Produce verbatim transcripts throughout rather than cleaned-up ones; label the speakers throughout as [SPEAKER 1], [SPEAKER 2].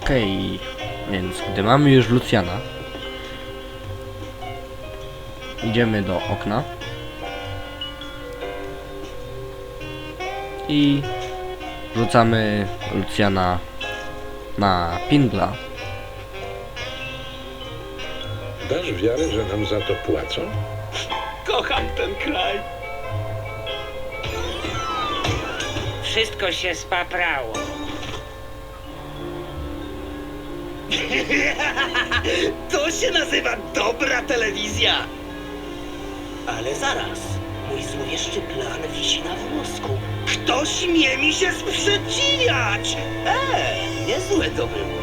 [SPEAKER 1] Okej, okay. Więc gdy mamy już Lucjana, idziemy do okna i rzucamy Lucjana na pingla.
[SPEAKER 2] Dasz wiarę, że nam za to płacą?
[SPEAKER 3] Kocham ten kraj.
[SPEAKER 4] Wszystko się spaprało.
[SPEAKER 3] To się nazywa dobra telewizja. Ale zaraz, mój złowieszczy plan wisi na włosku. Kto śmie mi się sprzeciwiać? Eee, niezłe to było.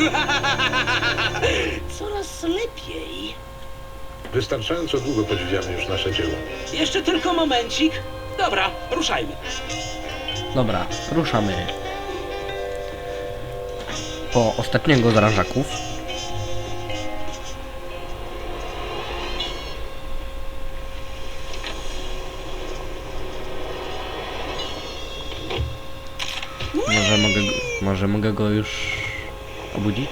[SPEAKER 3] Coraz lepiej.
[SPEAKER 2] Wystarczająco długo podziwiamy już nasze dzieło.
[SPEAKER 3] Jeszcze tylko momencik. Dobra, ruszajmy.
[SPEAKER 1] Dobra, ruszamy po ostatniego z rażaków. Może mogę, może mogę go już obudzić?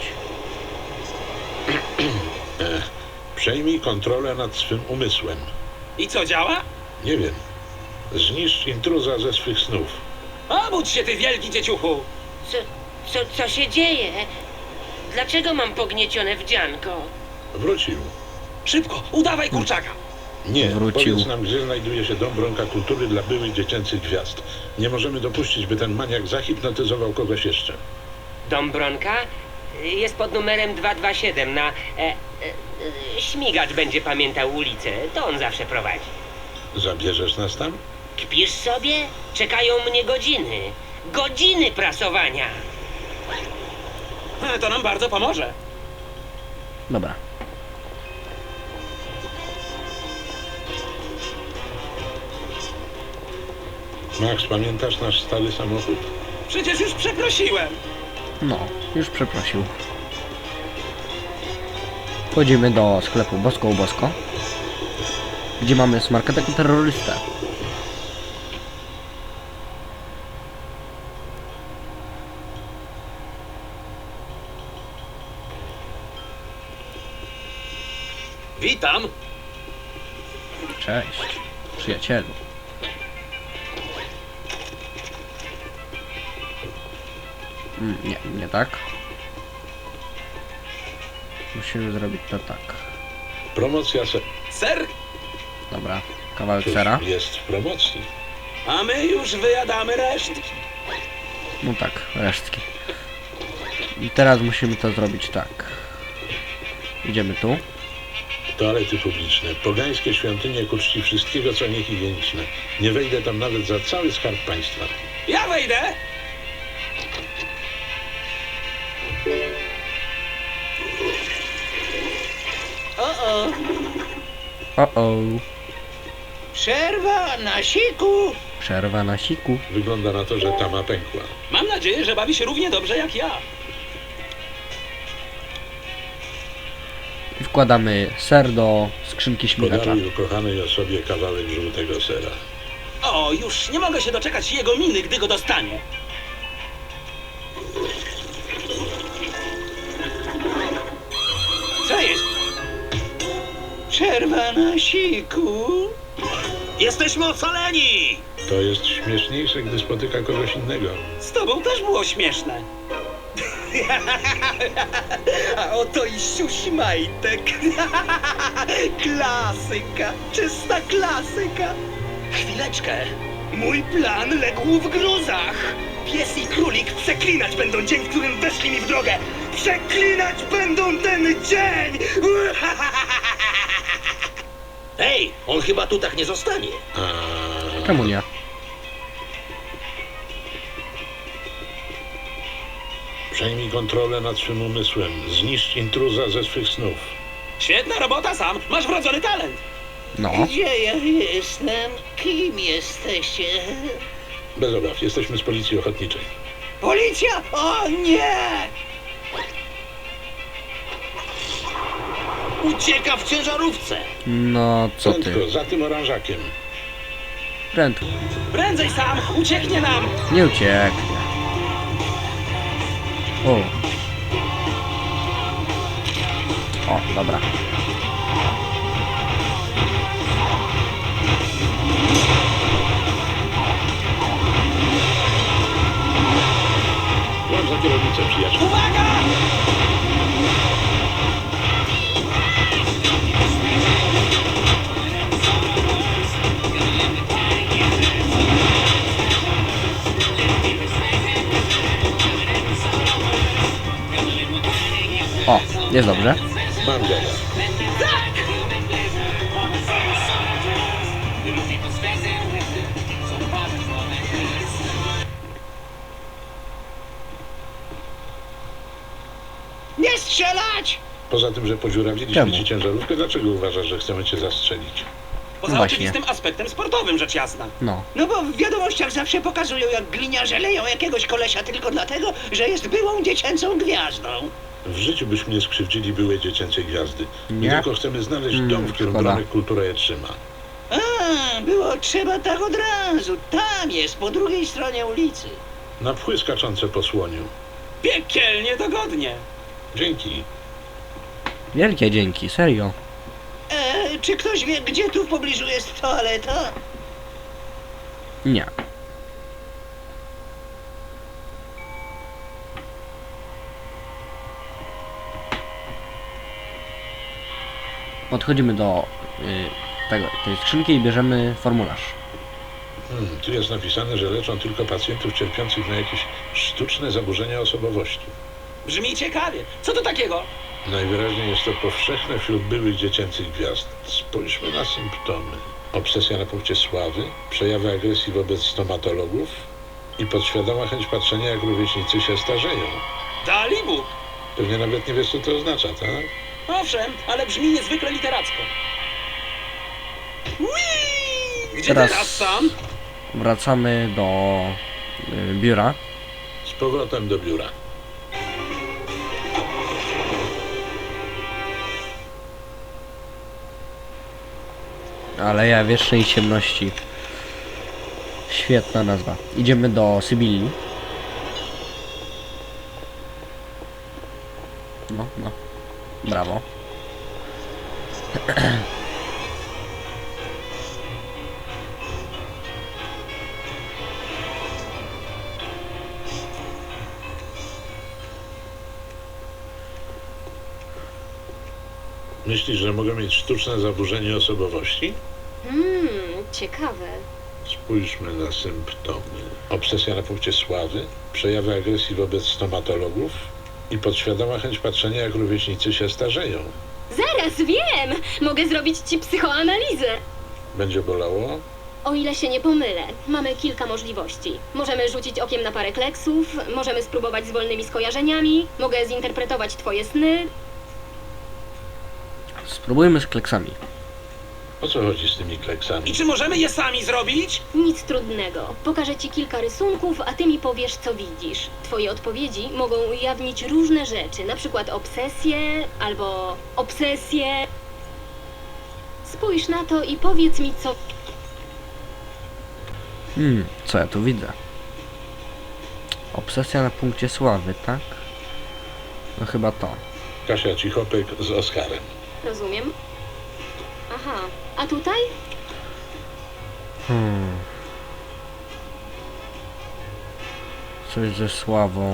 [SPEAKER 2] Przejmij kontrolę nad swym umysłem.
[SPEAKER 3] I co, działa?
[SPEAKER 2] Nie wiem. Zniszcz intruza ze swych snów.
[SPEAKER 3] Obudź się, ty wielki dzieciuchu!
[SPEAKER 4] Co, co, co się dzieje? Dlaczego mam pogniecione wdzianko?
[SPEAKER 2] Wrócił.
[SPEAKER 3] Szybko, udawaj kurczaka!
[SPEAKER 2] Nie,
[SPEAKER 1] Wrócił.
[SPEAKER 2] powiedz nam, gdzie znajduje się Dom Bronka Kultury dla byłych dziecięcych gwiazd. Nie możemy dopuścić, by ten maniak zahipnotyzował kogoś jeszcze.
[SPEAKER 4] Dom Bronka jest pod numerem dwieście dwadzieścia siedem na... E, e, e, śmigacz będzie pamiętał ulicę, to on zawsze prowadzi.
[SPEAKER 2] Zabierzesz nas tam?
[SPEAKER 4] Kpisz sobie? Czekają mnie godziny. Godziny prasowania.
[SPEAKER 3] E, To nam bardzo pomoże.
[SPEAKER 1] Dobra.
[SPEAKER 2] Max, pamiętasz nasz stary samochód?
[SPEAKER 3] Przecież już przeprosiłem.
[SPEAKER 1] No, już przeprosił. Wchodzimy do sklepu Bosko u Bosko, gdzie mamy smarketę terrorystę.
[SPEAKER 3] Witam.
[SPEAKER 1] Cześć, przyjacielu. Mm, nie, nie tak. Musimy zrobić to tak.
[SPEAKER 2] Promocja se...
[SPEAKER 3] Ser,
[SPEAKER 1] Dobra, kawałek
[SPEAKER 2] Cóż,
[SPEAKER 1] sera.
[SPEAKER 2] jest w promocji.
[SPEAKER 3] a my już wyjadamy resztki.
[SPEAKER 1] No tak, resztki. I teraz musimy to zrobić tak. Idziemy tu.
[SPEAKER 2] Toalety publiczne, pogańskie świątynie ku czci wszystkiego, co niehigieniczne. Nie wejdę tam nawet za cały skarb państwa.
[SPEAKER 3] Ja wejdę. O-o.
[SPEAKER 1] O-o.
[SPEAKER 3] Przerwa na siku.
[SPEAKER 1] Przerwa na siku.
[SPEAKER 2] Wygląda na to, że tama pękła.
[SPEAKER 3] Mam nadzieję, że bawi się równie dobrze jak ja.
[SPEAKER 1] I wkładamy ser do skrzynki śmigacza.
[SPEAKER 2] Podaruj ukochanej osobie kawałek żółtego sera.
[SPEAKER 3] O, już nie mogę się doczekać jego miny, gdy go dostanie. Co jest? Przerwa na siku. Jesteśmy ocaleni!
[SPEAKER 2] To jest śmieszniejsze, gdy spotyka kogoś innego.
[SPEAKER 3] Z tobą też było śmieszne. A oto i siusi majtek. Klasyka, czysta klasyka. Chwileczkę. Mój plan legł w gruzach. Pies i królik przeklinać będą dzień, w którym weszli mi w drogę. Przeklinać będą ten dzień! Hej, on chyba tu tak nie zostanie.
[SPEAKER 2] A...
[SPEAKER 1] Czemu nie?
[SPEAKER 2] Przejmij kontrolę nad swym umysłem. Zniszcz intruza ze swych snów.
[SPEAKER 3] Świetna robota, Sam. Masz wrodzony talent.
[SPEAKER 1] No.
[SPEAKER 5] Gdzie ja jestem? Kim jesteście?
[SPEAKER 2] Bez obaw, jesteśmy z policji ochotniczej.
[SPEAKER 3] Policja! O nie!
[SPEAKER 5] Ucieka w ciężarówce.
[SPEAKER 1] No co ty?
[SPEAKER 2] Prędko, za tym oranżakiem.
[SPEAKER 1] Prędko.
[SPEAKER 3] Prędzej, Sam! Ucieknie nam!
[SPEAKER 1] Nie ucieknie. O. O, dobra.
[SPEAKER 2] Łap za kierownicę, przyjaciel.
[SPEAKER 3] Uwaga!
[SPEAKER 1] O, jest dobrze.
[SPEAKER 2] Mam go.
[SPEAKER 5] Nie strzelać!
[SPEAKER 2] Poza tym, że podziurawiliśmy
[SPEAKER 1] Czemu?
[SPEAKER 2] ci ciężarówkę, dlaczego uważasz, że chcemy cię zastrzelić?
[SPEAKER 3] Poza
[SPEAKER 1] Właśnie.
[SPEAKER 3] oczywistym aspektem sportowym, rzecz jasna.
[SPEAKER 1] No.
[SPEAKER 5] No bo w wiadomościach zawsze pokazują, jak gliniarze leją jakiegoś kolesia tylko dlatego, że jest byłą dziecięcą gwiazdą.
[SPEAKER 2] W życiu byśmy nie skrzywdzili byłej dziecięcej gwiazdy. My
[SPEAKER 1] Nie?
[SPEAKER 2] tylko chcemy znaleźć
[SPEAKER 1] Mm,
[SPEAKER 2] dom, w którym
[SPEAKER 1] szkoda.
[SPEAKER 2] Bronek Kultura je trzyma.
[SPEAKER 5] A, było trzeba tak od razu. Tam jest, po drugiej stronie ulicy.
[SPEAKER 2] Na pchły skaczące po słoniu.
[SPEAKER 3] Piekielnie dogodnie.
[SPEAKER 2] Dzięki.
[SPEAKER 1] Wielkie dzięki, serio.
[SPEAKER 5] E, czy ktoś wie, gdzie tu w pobliżu jest toaleta?
[SPEAKER 1] Nie. Podchodzimy do y, tego, tej skrzynki i bierzemy formularz.
[SPEAKER 2] Hmm, tu jest napisane, że leczą tylko pacjentów cierpiących na jakieś sztuczne zaburzenia osobowości.
[SPEAKER 3] Brzmi ciekawie. Co to takiego?
[SPEAKER 2] Najwyraźniej jest to powszechne wśród byłych dziecięcych gwiazd. Spójrzmy na symptomy. Obsesja na punkcie sławy, przejawy agresji wobec stomatologów i podświadoma chęć patrzenia, jak rówieśnicy się starzeją.
[SPEAKER 3] Dali Bóg.
[SPEAKER 2] Pewnie nawet nie wiesz, co to oznacza, tak?
[SPEAKER 3] Owszem, ale brzmi niezwykle literacko. Whee! Gdzie
[SPEAKER 1] Teraz-
[SPEAKER 3] teraz sam?
[SPEAKER 1] Wracamy do y, biura.
[SPEAKER 2] Z powrotem do biura.
[SPEAKER 1] Aleja Wiecznej Ciemności. Świetna nazwa. Idziemy do Sybilli. No, no. Brawo.
[SPEAKER 2] Myślisz, że mogą mieć sztuczne zaburzenie osobowości?
[SPEAKER 6] Hmm, ciekawe.
[SPEAKER 2] Spójrzmy na symptomy. Obsesja na punkcie sławy, przejawy agresji wobec stomatologów i podświadoma chęć patrzenia, jak rówieśnicy się starzeją.
[SPEAKER 6] Zaraz wiem! Mogę zrobić ci psychoanalizę.
[SPEAKER 2] Będzie bolało?
[SPEAKER 6] O ile się nie pomylę, mamy kilka możliwości. Możemy rzucić okiem na parę kleksów, możemy spróbować z wolnymi skojarzeniami, mogę zinterpretować twoje sny.
[SPEAKER 1] Spróbujmy z kleksami.
[SPEAKER 2] O co chodzi z tymi kleksami?
[SPEAKER 3] I czy możemy je sami zrobić?
[SPEAKER 6] Nic trudnego. Pokażę ci kilka rysunków, a ty mi powiesz, co widzisz. Twoje odpowiedzi mogą ujawnić różne rzeczy, na przykład obsesję albo obsesję. Spójrz na to i powiedz mi, co...
[SPEAKER 1] Hmm, co ja tu widzę? Obsesja na punkcie sławy, tak? No chyba to.
[SPEAKER 2] Kasia Cichopek z Oskarem.
[SPEAKER 6] Rozumiem. Aha, a tutaj?
[SPEAKER 1] Hmm. Coś ze sławą.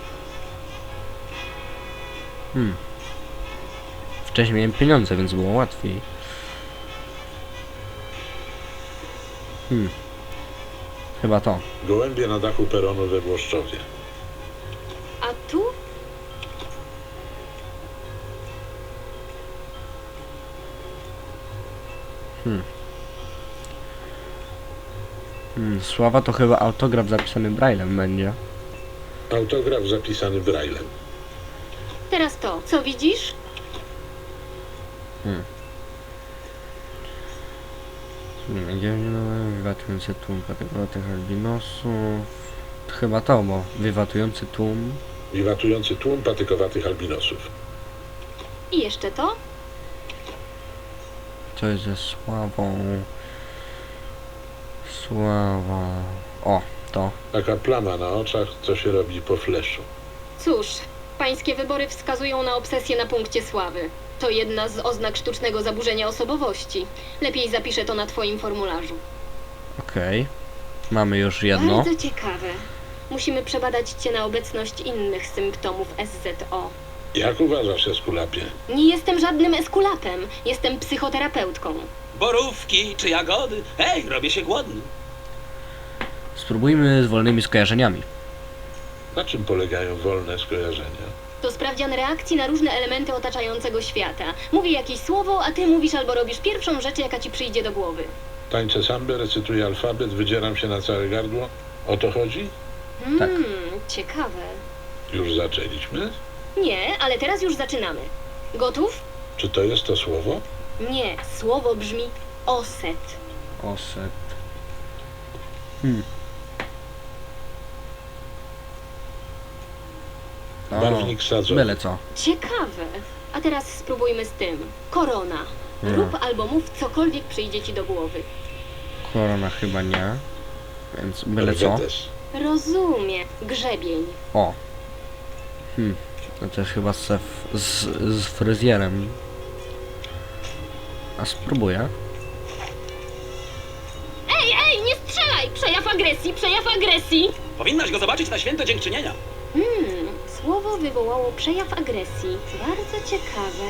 [SPEAKER 1] Hmm. Wcześniej miałem pieniądze, więc było łatwiej. Hmm. Chyba to.
[SPEAKER 2] Gołębie na dachu peronu we Włoszczowie.
[SPEAKER 6] A tu?
[SPEAKER 1] Hmm. Hmm. Sława to chyba autograf zapisany braillem będzie.
[SPEAKER 2] Autograf zapisany braillem.
[SPEAKER 6] Teraz to. Co widzisz?
[SPEAKER 1] Hmm. Wywatujący tłum kategorii albinosów. Chyba to, bo wywatujący tłum.
[SPEAKER 2] Wiwatujący tłum patykowatych albinosów.
[SPEAKER 6] I jeszcze to?
[SPEAKER 1] Co jest ze sławą? Sława. O, to.
[SPEAKER 2] Taka plama na oczach, co się robi po fleszu.
[SPEAKER 6] Cóż, pańskie wybory wskazują na obsesję na punkcie sławy. To jedna z oznak sztucznego zaburzenia osobowości. Lepiej zapiszę to na twoim formularzu.
[SPEAKER 1] Okej. Mamy już jedno.
[SPEAKER 6] Bardzo ciekawe. Musimy przebadać cię na obecność innych symptomów S Z O.
[SPEAKER 2] Jak uważasz, Eskulapie?
[SPEAKER 6] Nie jestem żadnym eskulapem. Jestem psychoterapeutką.
[SPEAKER 3] Borówki czy jagody? Hej, robię się głodny.
[SPEAKER 1] Spróbujmy z wolnymi skojarzeniami.
[SPEAKER 2] Na czym polegają wolne skojarzenia?
[SPEAKER 6] To sprawdzian reakcji na różne elementy otaczającego świata. Mówię jakieś słowo, a ty mówisz albo robisz pierwszą rzecz, jaka ci przyjdzie do głowy.
[SPEAKER 2] Tańczę sambę, recytuję alfabet, wydzieram się na całe gardło. O to chodzi?
[SPEAKER 1] Tak.
[SPEAKER 6] Hmm, ciekawe.
[SPEAKER 2] Już zaczęliśmy?
[SPEAKER 6] Nie, ale teraz już zaczynamy. Gotów?
[SPEAKER 2] Czy to jest to słowo?
[SPEAKER 6] Nie, słowo brzmi oset.
[SPEAKER 1] Oset. Hmm. O,
[SPEAKER 2] Barwnik sadzowy.
[SPEAKER 1] byle co.
[SPEAKER 6] Ciekawe. A teraz spróbujmy z tym. Korona.
[SPEAKER 1] Hmm.
[SPEAKER 6] Rób albo mów cokolwiek przyjdzie ci do głowy.
[SPEAKER 1] Korona chyba nie. Więc byle co.
[SPEAKER 2] Helvetes.
[SPEAKER 6] Rozumiem. Grzebień.
[SPEAKER 1] O. Hmm. No to jest chyba z, z, z fryzjerem. A spróbuję.
[SPEAKER 6] Ej, ej, nie strzelaj! Przejaw agresji, przejaw agresji!
[SPEAKER 3] Powinnaś go zobaczyć na święto dziękczynienia.
[SPEAKER 6] Hmm, słowo wywołało przejaw agresji. Bardzo ciekawe.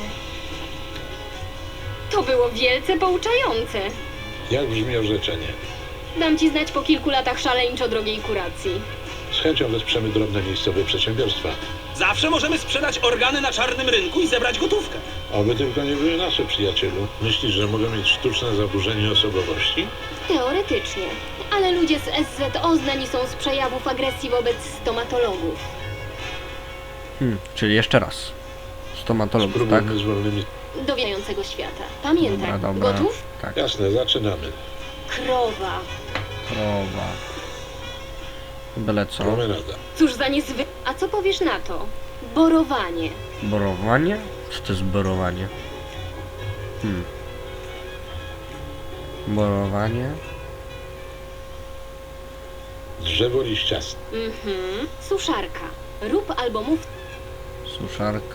[SPEAKER 6] To było wielce pouczające.
[SPEAKER 2] Jak brzmi orzeczenie?
[SPEAKER 6] Dam ci znać po kilku latach szaleńczo drogiej kuracji.
[SPEAKER 2] Z chęcią wesprzemy drobne miejscowe przedsiębiorstwa.
[SPEAKER 3] Zawsze możemy sprzedać organy na czarnym rynku i zebrać gotówkę.
[SPEAKER 2] Oby tylko nie były nasze, przyjacielu. Myślisz, że mogą mieć sztuczne zaburzenie osobowości?
[SPEAKER 6] Teoretycznie. Ale ludzie z S Z O znani są z przejawów agresji wobec stomatologów.
[SPEAKER 1] Hmm. Czyli jeszcze raz. Stomatologów, tak?
[SPEAKER 2] Spróbujmy z wolnymi...
[SPEAKER 6] Dowiadającego świata. Pamiętaj.
[SPEAKER 1] Dobra, dobra.
[SPEAKER 6] Gotów?
[SPEAKER 1] Tak.
[SPEAKER 2] Jasne, zaczynamy.
[SPEAKER 6] Krowa.
[SPEAKER 1] Krowa. Byle co.
[SPEAKER 2] Promenada.
[SPEAKER 6] Cóż za niezwy... A co powiesz na to? Borowanie.
[SPEAKER 1] Borowanie? Co to jest borowanie? Hmm. Borowanie?
[SPEAKER 2] Drzewo liściaste.
[SPEAKER 6] Mhm. Suszarka. Rób albo mów...
[SPEAKER 1] Suszarka?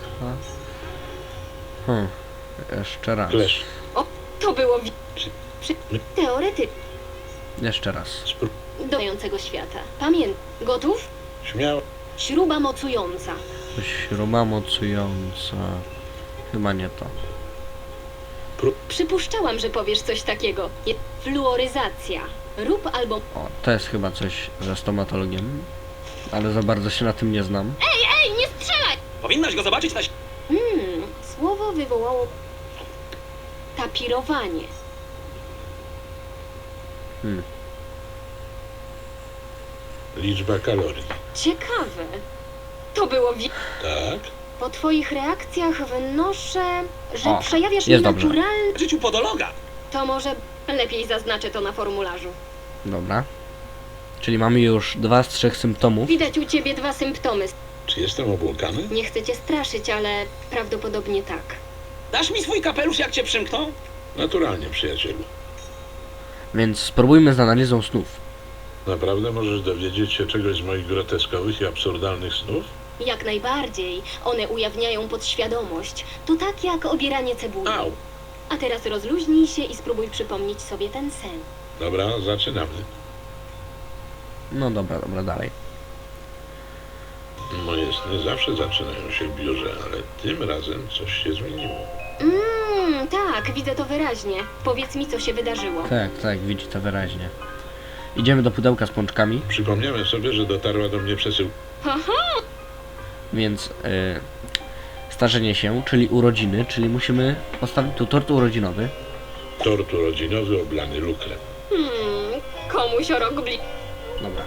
[SPEAKER 1] Hmm. Jeszcze raz.
[SPEAKER 2] Klesz.
[SPEAKER 6] O, to było... Wi...
[SPEAKER 2] Czy-
[SPEAKER 6] Przy... Teoretycznie.
[SPEAKER 1] Jeszcze raz.
[SPEAKER 2] Spró...
[SPEAKER 6] Dowiadającego świata. Pamiętaj. Gotów?
[SPEAKER 2] Śmiało.
[SPEAKER 6] Śruba mocująca.
[SPEAKER 1] Śruba mocująca. Chyba nie to.
[SPEAKER 6] Przypuszczałam, że powiesz coś takiego. Je- Fluoryzacja. Rób albo...
[SPEAKER 1] O, to jest chyba coś ze stomatologiem. Ale za bardzo się na tym nie znam.
[SPEAKER 6] Ej, nie strzelaj!
[SPEAKER 3] Powinnaś go zobaczyć na...
[SPEAKER 6] Hmm, słowo wywołało... Tapirowanie.
[SPEAKER 1] Hmm.
[SPEAKER 2] Liczba kalorii.
[SPEAKER 6] Ciekawe. To było... Wi...
[SPEAKER 2] Tak?
[SPEAKER 6] Po twoich reakcjach wynoszę, że
[SPEAKER 1] O,
[SPEAKER 6] przejawiasz
[SPEAKER 1] jest dobrze.
[SPEAKER 6] nienaturalne...
[SPEAKER 3] życiu podologa.
[SPEAKER 6] To może lepiej zaznaczę to na formularzu.
[SPEAKER 1] Dobra. Czyli mamy już dwa z trzech symptomów.
[SPEAKER 6] Widać u ciebie dwa symptomy.
[SPEAKER 2] Czy jestem obłąkany?
[SPEAKER 6] Nie chcę cię straszyć, ale prawdopodobnie tak.
[SPEAKER 3] Dasz mi swój kapelusz, jak cię przymkną?
[SPEAKER 2] Naturalnie, przyjacielu.
[SPEAKER 1] Więc spróbujmy z analizą snów.
[SPEAKER 2] Naprawdę możesz dowiedzieć się czegoś z moich groteskowych i absurdalnych snów?
[SPEAKER 6] Jak najbardziej. One ujawniają podświadomość. To tak jak obieranie cebuli.
[SPEAKER 2] Au!
[SPEAKER 6] A teraz rozluźnij się i spróbuj przypomnieć sobie ten sen.
[SPEAKER 2] Dobra, zaczynamy.
[SPEAKER 1] No dobra, dobra, dalej.
[SPEAKER 2] Moje sny zawsze zaczynają się w biurze, ale tym razem coś się zmieniło.
[SPEAKER 6] Mmm, tak, widzę to wyraźnie. Powiedz mi, co się wydarzyło.
[SPEAKER 1] Tak, tak, widzi to wyraźnie. Idziemy do pudełka z pączkami,
[SPEAKER 2] Przypomniałem sobie, że dotarła do mnie przesyłka.
[SPEAKER 6] Haha!
[SPEAKER 1] więc yy, starzenie się, czyli urodziny, czyli musimy postawić tu tort urodzinowy.
[SPEAKER 2] Tort urodzinowy oblany lukrem.
[SPEAKER 6] Hmm, komuś o rok bli...
[SPEAKER 1] Dobra.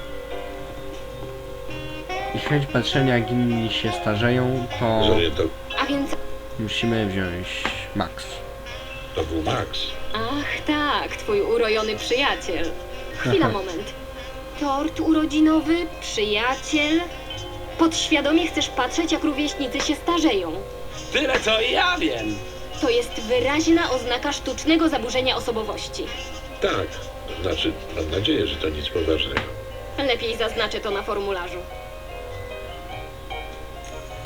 [SPEAKER 1] I chęć patrzenia, jak inni się starzeją, to
[SPEAKER 2] Zorientował.
[SPEAKER 6] A więc...
[SPEAKER 1] musimy wziąć Max.
[SPEAKER 2] To był Max.
[SPEAKER 6] Ach tak, twój urojony przyjaciel. Chwila, moment. Tort urodzinowy, przyjaciel... Podświadomie chcesz patrzeć, jak rówieśnicy się starzeją.
[SPEAKER 3] Tyle co ja wiem.
[SPEAKER 6] To jest wyraźna oznaka sztucznego zaburzenia osobowości.
[SPEAKER 2] Tak, to znaczy, mam nadzieję, że to nic poważnego.
[SPEAKER 6] Lepiej zaznaczę to na formularzu.